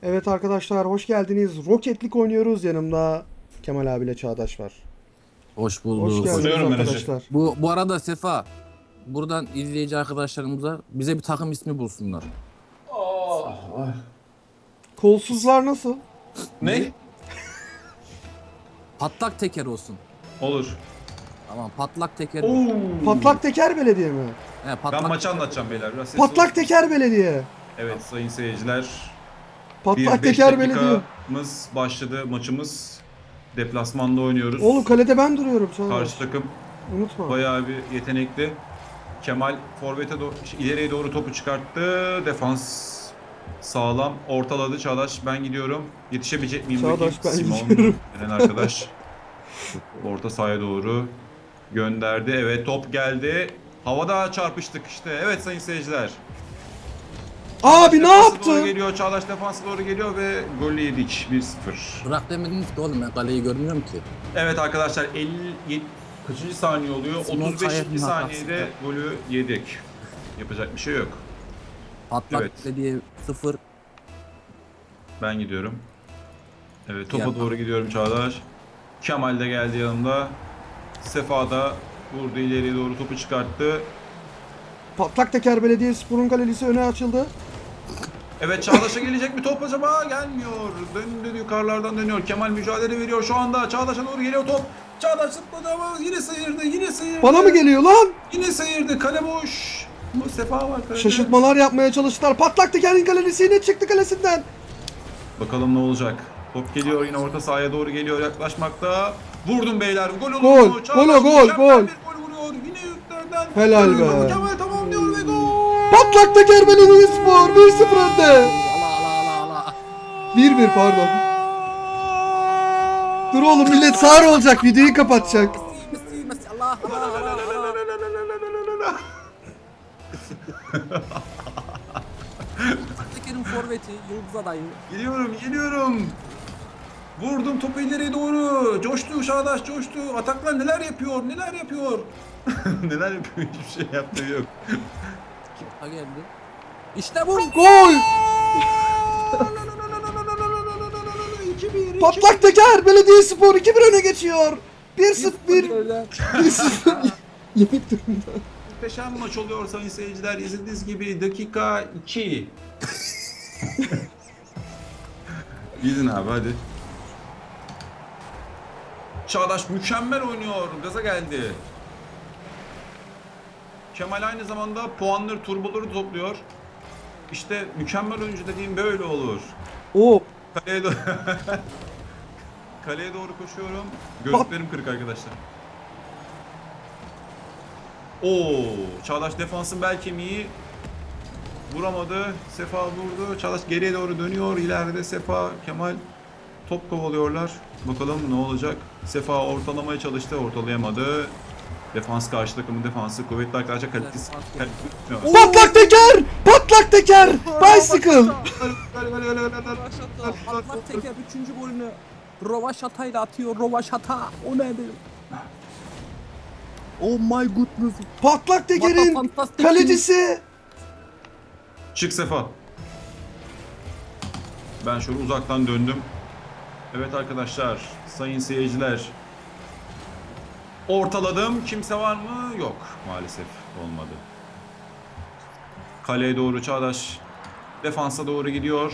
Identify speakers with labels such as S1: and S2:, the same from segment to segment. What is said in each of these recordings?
S1: Evet arkadaşlar hoş geldiniz. Rocket League oynuyoruz. Yanımda Kemal abiyle Çağdaş var.
S2: Hoş
S1: Hoş
S2: bulduk.
S1: geldiniz
S3: Buyurun menajer.
S1: arkadaşlar.
S2: Bu arada Sefa, buradan izleyici arkadaşlarımıza bize bir takım ismi bulsunlar.
S1: Kolsuzlar nasıl?
S3: Ne?
S2: Patlak teker olsun.
S3: Olur.
S2: Tamam, patlak teker.
S1: Patlak Teker Belediye mi?
S2: He, patlak
S3: Ben maçı
S2: teker.
S3: anlatacağım beyler. Biraz sesli
S1: Patlak
S3: olun.
S1: Teker Belediye.
S3: Evet sayın seyirciler.
S1: Patlak
S3: Bir 5
S1: Teker Belediye.
S3: dakikamız başladı maçımız. Deplasmanda oynuyoruz.
S1: Oğlum kalede ben duruyorum Çağdaş.
S3: Karşı takım
S1: Unutma.
S3: bayağı bir yetenekli. Kemal forvete doğru, ileriye doğru topu çıkarttı. Defans sağlam. Ortaladı Çağdaş. Ben gidiyorum. Yetişebilecek miyim?
S1: Çağdaş,
S3: bakayım?
S1: ben
S3: Simon
S1: gidiyorum.
S3: denen arkadaş. Orta sahaya doğru gönderdi. Evet top geldi. Havada çarpıştık işte. Evet sayın seyirciler.
S1: Abi ne
S3: Defansa
S1: yaptı?
S3: Doğru geliyor. Çağdaş defansa doğru geliyor ve golü yedik 1-0.
S2: Bırak demediniz ki oğlum, ben kaleyi görmüyorum ki.
S3: Evet arkadaşlar 57 kaçıncı saniye oluyor?
S2: Simon
S3: 35.
S2: Kaya'nın
S3: saniyede
S2: hatası.
S3: golü yedik. Yapacak bir şey yok.
S2: Patlak
S3: Evet.
S2: belediye 0.
S3: Ben gidiyorum. Evet topa
S2: Yapma.
S3: doğru gidiyorum Çağdaş. Kemal de geldi yanımda. Sefa da vurdu ileriye doğru topu çıkarttı.
S1: Patlak Teker Belediye Spor'un kalecisi öne açıldı.
S3: Evet Çağdaş'a gelecek mi top acaba? Gelmiyor. Döndü yukarılardan dönüyor. Kemal mücadele veriyor şu anda. Çağdaş'a doğru geliyor top. Çağdaş zıpladı ama yine sıyırdı. Yine sıyırdı.
S1: Bana mı geliyor lan?
S3: Yine sıyırdı. Kale boş. Bu Sefa var kalede.
S1: Şaşırtmalar yapmaya çalıştılar. Patlak Teker'in kalecisi yine çıktı kalesinden.
S3: Bakalım ne olacak. Top geliyor yine orta sahaya doğru geliyor yaklaşmakta. Vurdum beyler. Gol olur
S1: Gol,
S3: mu? Çağdaş
S1: gol,
S3: mükemmel
S1: gol.
S3: bir gol vuruyor. Yine yüklerden.
S1: Helal
S3: Gol vuruyor.
S1: be.
S3: Kemal tamamlıyor ve gol.
S1: Patlak Teker Belediye Spor 1-0 önde.
S2: Allah.
S1: 1-1 pardon. Dur oğlum millet sağır olacak, videoyu kapatacak.
S2: Messi, Allah. Patlak tekerin forveti, Yıldız adayı.
S3: Geliyorum. Vurdum topu ileriye doğru. Coştu Çağdaş coştu. Ataklar neler yapıyor? Neler yapıyor? Hiçbir şey yaptığı yok.
S2: Ha geldi. İşte bu.
S1: Gol!
S3: 2-1.
S1: Patlak Teker Belediye Spor 2-1 öne geçiyor. 1-0 1-0 yenik durumda.
S3: Muhteşem maç oluyor sayın seyirciler. İzlediğiniz gibi dakika 2. Gidin abi hadi. Çağdaş mükemmel oynuyor. Gaza geldi. Kemal aynı zamanda puanları, turboları topluyor. İşte mükemmel oyuncu dediğim böyle olur.
S1: Oo,
S3: Kaleye, Kaleye doğru koşuyorum. Gözlüklerim kırık arkadaşlar. Oo, Çağdaş defansın bel kemiği vuramadı. Sefa vurdu. Çağdaş geriye doğru dönüyor. İleride Sefa, Kemal top kovalıyorlar. Bakalım ne olacak? Sefa ortalamaya çalıştı. Ortalayamadı. Defans karşı takımın defansı kuvvetli arkadaşlar kalitesi.
S1: Patlak Teker! Patlak Teker! Bicycle!
S2: Patlak teker 3. golünü Rovaşata'yla atıyor. Rovaşata. O nedir? Oh my goodness.
S1: Patlak Teker'in
S2: Fantastik.
S1: kalecisi.
S3: Çık Sefa. Ben şöyle uzaktan döndüm. Evet arkadaşlar, sayın seyirciler. Ortaladım. Kimse var mı? Yok. Maalesef olmadı. Kaleye doğru Çağdaş. Defansa doğru gidiyor.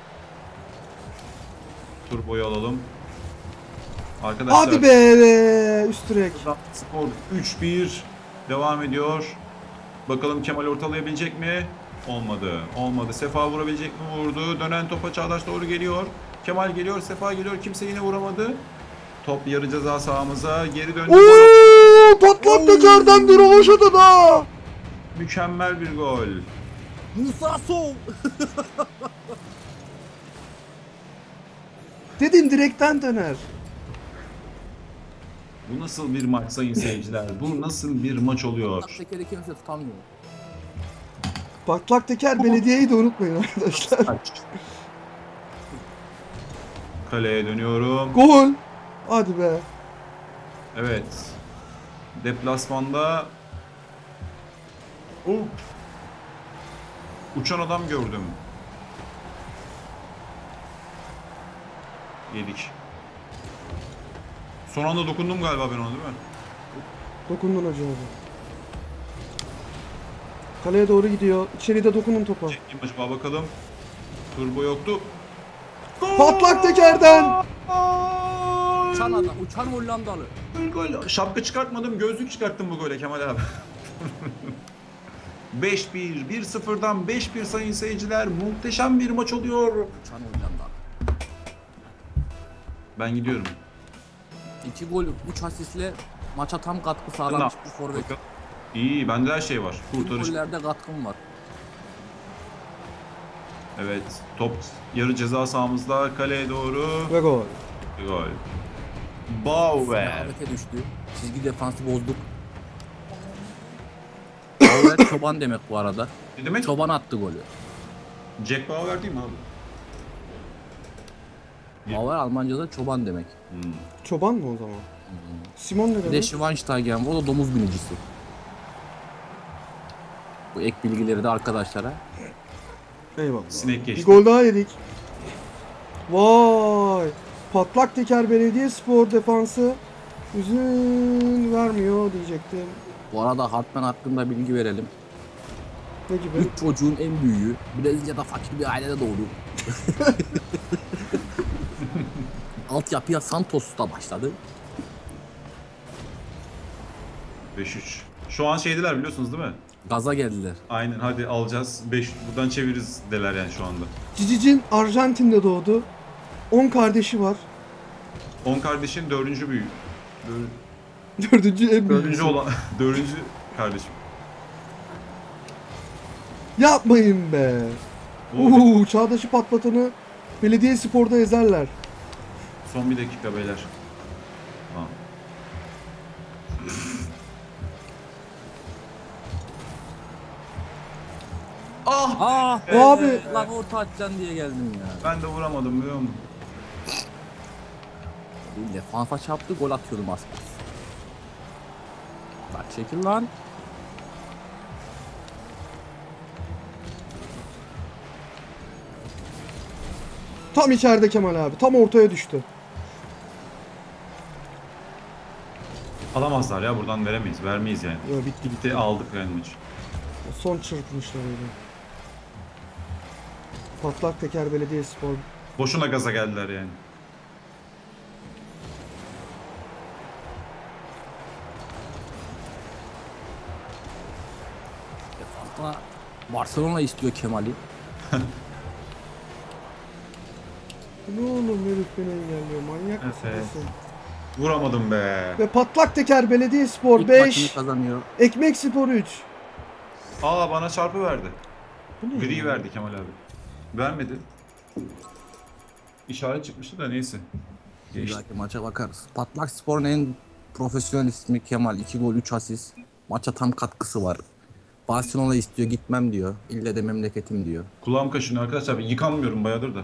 S3: Turboyu alalım. Arkadaşlar.
S1: Hadi be! Üst direk.
S3: Skor 3-1 devam ediyor. Bakalım Kemal ortalayabilecek mi? Olmadı. Sefa vurabilecek mi? Vurdu. Dönen topa Çağdaş doğru geliyor. Kemal geliyor, Sefa geliyor. Kimse yine vuramadı. Top yarı ceza sahamıza geri döndü.
S1: Oo! Patlak Teker'den bir rovaşata da.
S3: Mükemmel bir gol.
S2: Musa Sow.
S1: Dedim direkten döner.
S3: Bu nasıl bir maç sayın seyirciler? Bu nasıl bir maç oluyor?
S2: Patlak tekeri kimse tutamıyor.
S1: Patlak Teker Belediye'yi de unutmayın arkadaşlar.
S3: Kaleye dönüyorum.
S1: Gol! Hadi be.
S3: Evet. Deplasmanda uçan adam gördüm. Yedik. Son anda dokundum galiba ben ona, değil mi?
S1: Dokundun hacı abi. Kaleye doğru gidiyor. İçeride dokunun topa.
S3: Çekeyim acaba bakalım. Turbo yoktu.
S1: Patlak tekerden.
S2: Uçan adam, uçan Hollandalı.
S3: Gol. Şapka çıkartmadım, gözlük çıkarttım bu gole Kemal abi. 5-1, 1-0'dan 5-1 sayın seyirciler. Muhteşem bir maç oluyor.
S2: Uçan Hollandalı.
S3: Ben gidiyorum.
S2: 2 gol, 3 asistle maça tam katkı sağlamış bir forvet.
S3: Bakalım. İyi, bende her şey var.
S2: Tüm
S3: Kurtarış.
S2: gollerde katkım var.
S3: Evet, top yarı ceza sahamızda, kaleye doğru.
S1: Ve gol.
S3: Gol. Bauer.
S2: Rehavete düştü. Çizgi defansı bozduk. Bauer çoban demek bu arada.
S3: Ne demek?
S2: Çoban attı golü.
S3: Jack Bauer değil mi abi?
S2: Bauer Almanca'da çoban demek.
S1: Çoban mı o zaman? Simon ne
S2: Bir de
S1: demek?
S2: Schweinsteigen, o da domuz binicisi. Bu ek bilgileri de arkadaşlara.
S1: Eyvallah.
S3: Sinek
S1: Bir
S3: geçti.
S1: gol daha yedik. Vay. Patlak teker Belediyespor defansı üzün vermiyor diyecektim.
S2: Bu arada Hartman hakkında bilgi verelim.
S1: Ne gibi?
S2: 3 çocuğun en büyüğü. Brezilya'da fakir bir ailede doğdu. Altyapıya Santos'ta başladı.
S3: 5-3. Şu an şeydiler biliyorsunuz değil mi?
S2: Gaza geldiler.
S3: Aynen, hadi alacağız. 5 buradan çeviririz deler yani şu anda.
S1: Cicicin Arjantin'de doğdu. 10 kardeşi var.
S3: 10 kardeşin 4. büyüğü.
S1: Dördüncü en
S3: 4.
S1: büyüğü.
S3: olan 4. kardeşim.
S1: Yapmayın be. Çağdaş'ı patlatanı Belediyespor'da ezerler.
S3: Son bir dakika beyler. Tamam. Ah!
S2: Ah
S1: Abi.
S2: Lan orta atacaksın diye geldim ya.
S3: Ben de vuramadım biliyor musun?
S2: Bir defansa çarptı, gol atıyordum az kalsın. Bak çekil lan.
S1: Tam içeride Kemal abi. Tam ortaya düştü.
S3: Alamazlar ya, buradan veremeyiz. Vermeyiz yani.
S1: Ya bitti bitti.
S3: Bitti, aldık yani maçı.
S1: Son çırpmışlar öyle. Patlak teker Belediyespor.
S3: Boşuna gaza geldiler yani.
S2: Defansa Barcelona istiyor Kemal'i.
S1: Ne oğlum herif beni engelliyor. Manyak mısın?
S3: Evet.
S1: sen?
S3: Vuramadım be.
S1: Ve patlak teker Belediyespor
S2: İlk maçını
S1: 5.
S2: kazanıyor.
S1: Ekmek Spor 3.
S3: Aa, bana çarpı verdi.
S1: Bu ne
S3: Gri
S1: ya?
S3: verdi Kemal abi. Vermedi. İşaret çıkmıştı da neyse.
S2: Bir
S3: Geçti.
S2: dahaki maça bakarız. Patlak Spor'un en profesyonel ismi Kemal. 2 gol 3 asist. Maça tam katkısı var. Barcelona istiyor, gitmem diyor. İlle de memleketim diyor.
S3: Kulağım kaşınıyor arkadaşlar. Yıkanmıyorum bayağıdır da.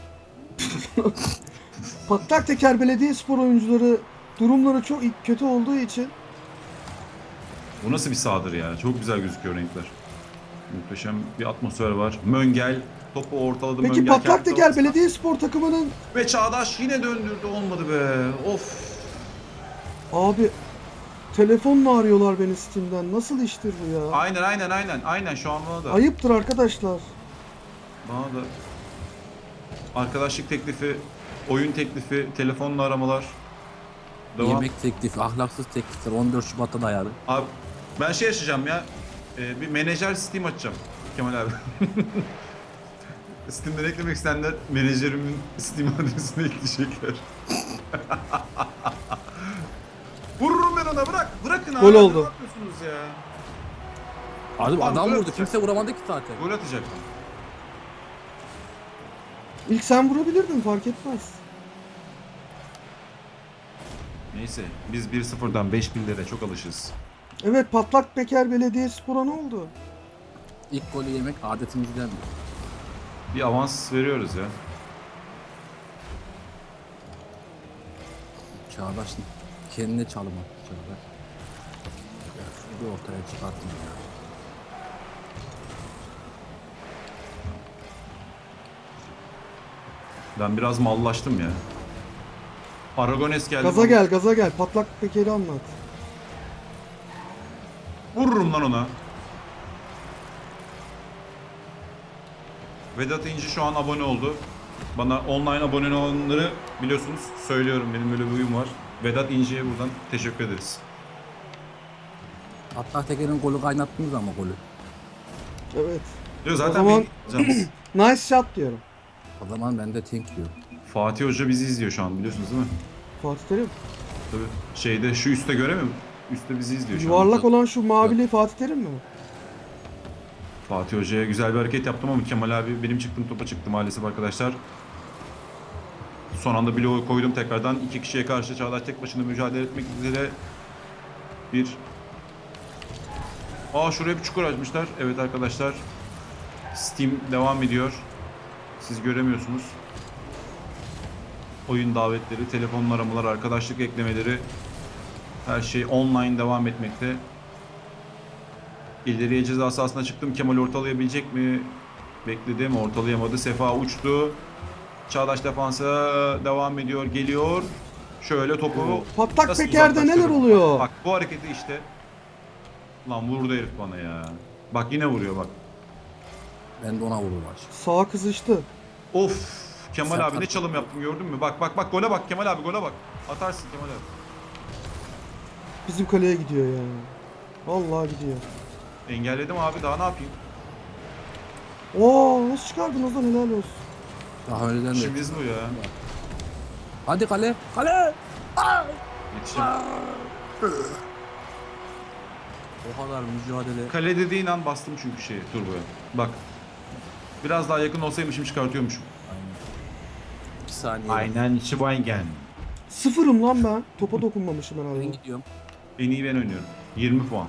S1: Patlak teker Belediyespor oyuncuları durumları çok kötü olduğu için
S3: Bu nasıl bir sahadır ya? Çok güzel gözüküyor renkler. Muhteşem bir atmosfer var. Möngel topu ortaladı.
S1: Peki
S3: Möngel
S1: Patlak
S3: kendi
S1: teker
S3: ortasına.
S1: Belediyespor takımının
S3: Ve Çağdaş yine döndürdü, olmadı be. Of.
S1: abi telefonla arıyorlar beni Steam'den. Nasıl iştir bu ya?
S3: Aynen şu an bana da.
S1: Ayıptır arkadaşlar.
S3: Bana da. Arkadaşlık teklifi, oyun teklifi, telefonla aramalar. Devam.
S2: Yemek teklifi, ahlaksız teklifler 14 Şubat'ta dayalı.
S3: Abi ben şey açacağım ya. Bir menajer Steam açacağım Kemal abi. Steam'den eklemek isteyenler menajerimin Steam adresine ekleyecekler. Vururum ben ona, bırak. Bırakın abi.
S1: Gol oldu.
S3: Ne yapıyorsunuz ya?
S2: Abi
S3: Lan
S2: adam
S3: gol
S2: vurdu,
S3: atacak.
S2: kimse vuramadı ki zaten.
S3: Gol atacaktım.
S1: İlk sen vurabilirdin fark etmez.
S3: Neyse biz 1-0'dan 5-1'lere çok alışız.
S1: Evet Patlak teker Belediyespor'a ne oldu?
S2: İlk golü yemek adetimizden.
S3: Bir avans veriyoruz ya.
S2: Çağdaş kendine çalım attı Çağdaş. Ya şunu bir ortaya çıkartın ya.
S3: Ben biraz mallaştım ya. Aragones geldi.
S1: Gaza gel, gaza gel. Patlak tekeri anlat.
S3: Vururum lan ona. Vedat İnci şu an abone oldu. Bana online abone olanları biliyorsunuz söylüyorum, benim böyle bir huyum var. Vedat İnci'ye buradan teşekkür ederiz.
S2: Patlak tekerin golü kaynattınız ama golü.
S1: Evet.
S3: Diyor zaten
S1: O zaman-
S3: canımız.
S1: Nice shot diyorum.
S2: O zaman ben de tank diyorum.
S3: Fatih Hoca bizi izliyor şu an, biliyorsunuz değil mi?
S1: Fatih Terim.
S3: Tabii şeyde şu üstte göremiyor musun? Üstte bizi izliyor şu an.
S1: Yuvarlak olan şu mavili Fatih Terim mi?
S3: Fatih Hoca'ya güzel bir hareket yaptım ama Kemal abi benim çıktığım topa çıktı maalesef arkadaşlar. Son anda bloğu koydum tekrardan. 2 kişiye karşı Çağdaş tek başına mücadele etmek üzere bir... Şuraya bir çukur açmışlar. Evet arkadaşlar. Steam devam ediyor. Siz göremiyorsunuz. Oyun davetleri, telefon aramalar, arkadaşlık eklemeleri, her şey online devam etmekte. İleriye ceza sahasına çıktım. Kemal ortalayabilecek mi? Bekledim. Ortalayamadı. Sefa uçtu. Çağdaş defansa devam ediyor. Geliyor. Şöyle topu
S1: Patlak
S3: nasıl
S1: tekerde neler
S3: uzaklaştırırım?
S1: oluyor?
S3: Bak bu hareketi işte. Lan vurdu herif bana ya. Bak yine vuruyor bak.
S2: Ben de ona vururum aç.
S1: Sağa kızıştı.
S3: Of. Kemal
S2: Sen
S3: abi ne
S2: fark
S3: çalım yaptım gördün mü? Bak bak bak gole bak Kemal abi, gole bak. Atarsın Kemal abi.
S1: Bizim kaleye gidiyor ya. Vallahi gidiyor.
S3: Engelledim abi, daha ne yapayım?
S1: Oo, nasıl çıkardınız lan, helal olsun.
S2: Daha önceden de.
S3: İşimiz bu ya.
S2: Hadi kale. Kale.
S3: Yetişim.
S2: O kadar mücadele.
S3: Kale dediğin an bastım çünkü turboya. Bak. Biraz daha yakın olsaymışım çıkartıyormuşum.
S2: 2 saniye.
S3: Aynen Schweigen.
S1: Sıfırım lan ben. Topa dokunmamışım
S2: Ben
S1: herhalde.
S2: gidiyorum.
S3: En iyi ben oynuyorum. 20 puan.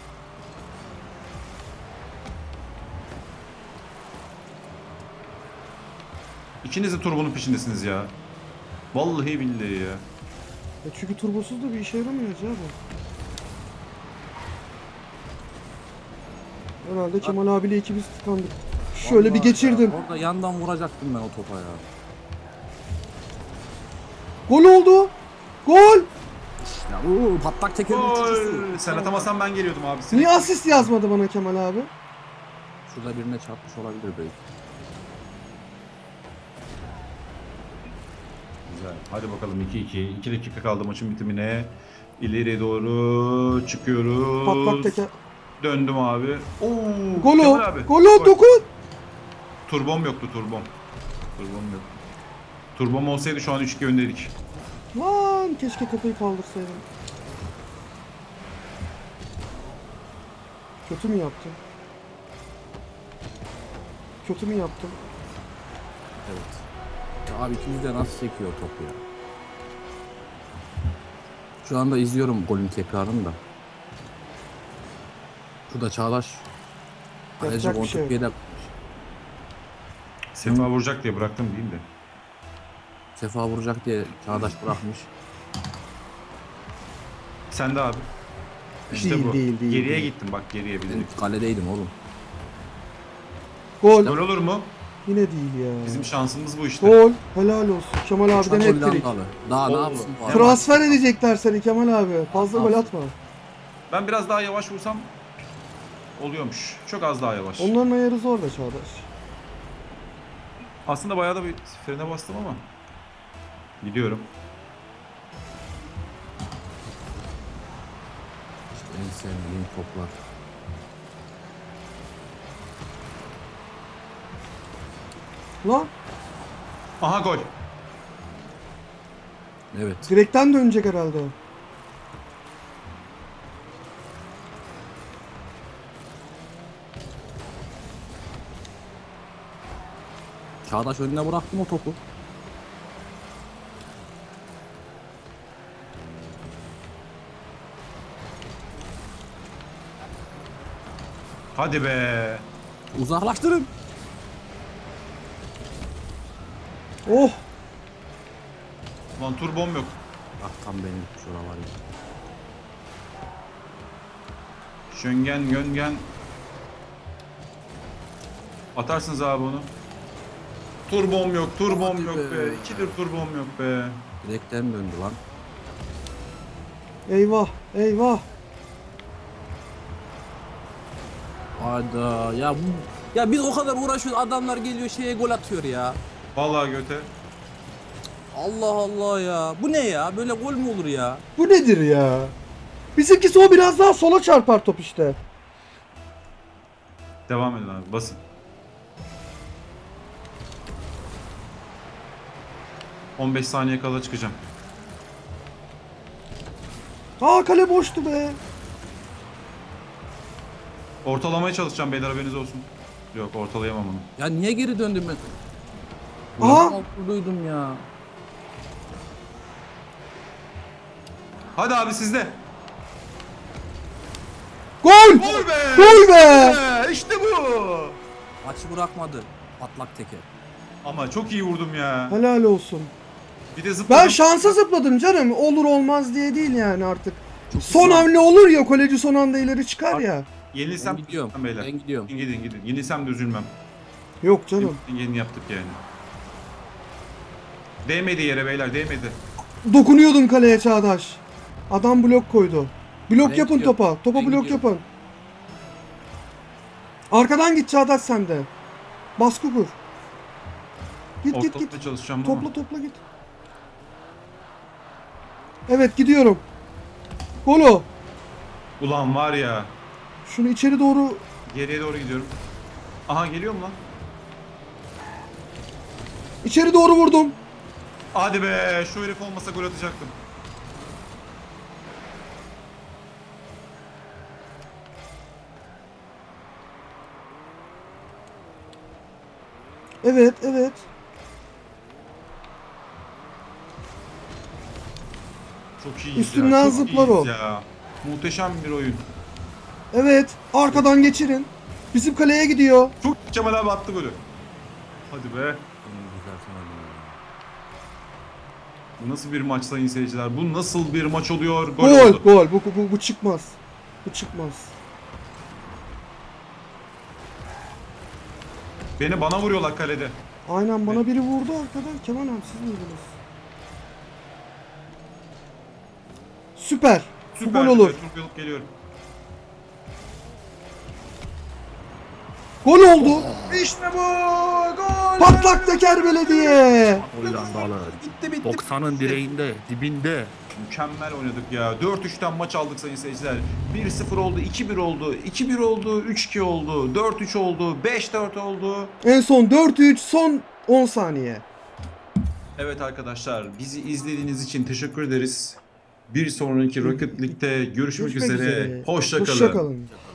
S3: İkiniz de turbonun peşindesiniz ya. Vallahi billahi ya.
S1: Çünkü turbosuz da bir işe yaramıyor Hacı abi. Herhalde Kemal abiyle ikimiz tıkandık. Şöyle bir
S2: Vallahi
S1: geçirdim.
S2: ya, orada yandan vuracaktım ben o topa ya.
S1: Gol oldu. Gol.
S2: Ya patlak tekerin uçucusu.
S3: Gol! Sen atamasan ben geliyordum abi.
S1: Niye asist yazmadı bana Kemal abi?
S2: Şurada birine çarpmış olabilir belki.
S3: Güzel. Hadi bakalım 2-2. 2 dakika kaldı maçın bitimine. İleriye doğru çıkıyoruz.
S1: Patlak teker.
S3: Döndüm abi. Oo,
S1: Gol
S3: Kemal
S1: o.
S3: abi.
S1: Gol o, dokun.
S3: Turbom yoktu, turbom. Turbom yok. Turbom olsaydı şu an 3-2 öndeydik.
S1: Lan keşke kafayı kaldırsaydım. Kötü mü yaptım? Kötü mü yaptım?
S2: Evet. Ya abi ikimiz de nasıl çekiyor topu ya. Şu anda izliyorum golün tekrarını da. Şurada Çağdaş. Kaleci
S1: Yapacak bir şey yok.
S2: Bontepier'de
S3: Sefa vuracak diye bıraktım diyeyim de.
S2: Sefa vuracak diye Çağdaş bırakmış.
S3: Sen de abi. İşte
S1: Değil,
S3: bu.
S1: değil, değil,
S3: Geriye
S1: değil.
S3: gittim bak, geriye
S2: Ben
S3: bilerek.
S2: kaledeydim oğlum.
S1: Gol.
S3: Gol olur mu?
S1: Yine değil ya.
S3: Bizim şansımız bu işte.
S1: Gol. Helal olsun. Kemal abiden
S2: Uçan
S1: ettirik.
S2: Hollandalı. Daha ne
S3: Oo.
S2: yapsın bu adam?
S1: Transfer edecekler seni Kemal abi. Fazla gol atma.
S3: Ben biraz daha yavaş vursam oluyormuş. Çok az daha yavaş.
S1: Onların ayarı zor da Çağdaş.
S3: Aslında bayağı da bir frene bastım ama. Gidiyorum.
S2: İşte en sevdiğim toplar.
S1: Lan
S3: Aha gol.
S2: Evet.
S1: direkten dönecek herhalde.
S2: Çağdaş önüne bıraktım o topu.
S3: Hadi be.
S2: Uzaklaştırın.
S1: Oh.
S3: Lan turbom yok.
S2: Ah tam benim şura var ya.
S3: Şöngen göngen. Atarsınız abi onu. Turbom yok, turbom
S2: Hadi
S3: yok
S2: be.
S3: be. 2'dir turbom yok be.
S2: Direkten döndü lan.
S1: Eyvah eyvah.
S2: Hayda ya ya biz o kadar uğraşıyoruz, adamlar geliyor şeye gol atıyor ya.
S3: Vallahi göte.
S2: Allah Allah ya. Bu ne ya? Böyle gol mü olur ya?
S1: Bu nedir ya? Bizimkisi o biraz daha sola çarpar top işte.
S3: Devam edin abi, basın. ...15 saniye kala çıkacağım.
S1: Aa kale boştu be.
S3: Ortalamaya çalışacağım beyler, haberiniz olsun. Yok, ortalayamam onu.
S2: Ya niye geri döndüm ben?
S1: Aha!
S2: Duydum ya.
S3: Hadi abi sizde.
S1: Gol!
S3: Gol be!
S1: Gol be!
S3: İşte bu!
S2: Maçı bırakmadı. Patlak teker.
S3: Ama çok iyi vurdum ya.
S1: Helal olsun.
S3: Bir de zıpladım.
S1: Ben şansa zıpladım canım. Olur olmaz diye değil yani artık.
S2: Çok
S1: Son
S2: güzel.
S1: hamle olur ya, kaleci son anda ileri çıkar ya.
S3: Yenilsem
S2: Ben gidiyorum.
S3: üzülmem beyler.
S2: Ben gidiyorum.
S3: Gidin. Yenilsem de üzülmem.
S1: Yok canım.
S3: Yeni yaptık yani. Değmedi yere beyler, değmedi.
S1: Dokunuyordum kaleye Çağdaş. Adam blok koydu. Blok
S2: Ben
S1: yapın
S2: gidiyorum.
S1: topa. Topa
S2: Ben
S1: blok
S2: gidiyorum.
S1: yapın. Arkadan git Çağdaş sen de. Baskı kur. Git git
S3: Ortalıkta
S1: git.
S3: çalışacağım
S1: Topla
S3: ama.
S1: topla git. Evet gidiyorum. Golo.
S3: Ulan var ya.
S1: Şunu içeri doğru.
S3: Geriye doğru gidiyorum. Aha, geliyor mu lan?
S1: İçeri doğru vurdum.
S3: Hadi be, şu herif olmasa gol atacaktım.
S1: Evet evet.
S3: Çok iyiyiz
S1: Üstünden
S3: ya. Çok
S1: zıplar
S3: iyiyiz
S1: o.
S3: ya. Muhteşem bir oyun.
S1: Evet. Arkadan geçirin. Bizim kaleye gidiyor.
S3: Çok Kemal abi attı golü. Hadi be.
S2: Benim güzel sanırım ya.
S3: Bu nasıl bir maç sayın seyirciler? Bu nasıl bir maç oluyor? Gol
S1: Gol
S3: oldu.
S1: gol. Bu çıkmaz. Bu çıkmaz.
S3: Bana vuruyorlar kalede.
S1: Aynen bana biri vurdu arkadan. Kemal abi siz miydiniz? Süper. Bu
S3: Süper.
S1: gol olur.
S3: Turp alıp geliyorum.
S1: Gol oldu.
S3: İşte bu. Gol.
S1: Patlak teker belediye.
S2: Hollandalı.
S3: Bitti.
S2: 90'ın direğinde, dibinde.
S3: Mükemmel oynadık ya. 4-3'ten maç aldık sayın seyirciler. 1-0 oldu, 2-1 oldu, 2-1 oldu, 3-2 oldu, 4-3 oldu, 5-4 oldu.
S1: En son 4-3 son 10 saniye.
S3: Evet arkadaşlar, bizi izlediğiniz için teşekkür ederiz. Bir sonraki Rocket League'de görüşmek üzere. Hoşça kalın.
S1: Hoşça kalın.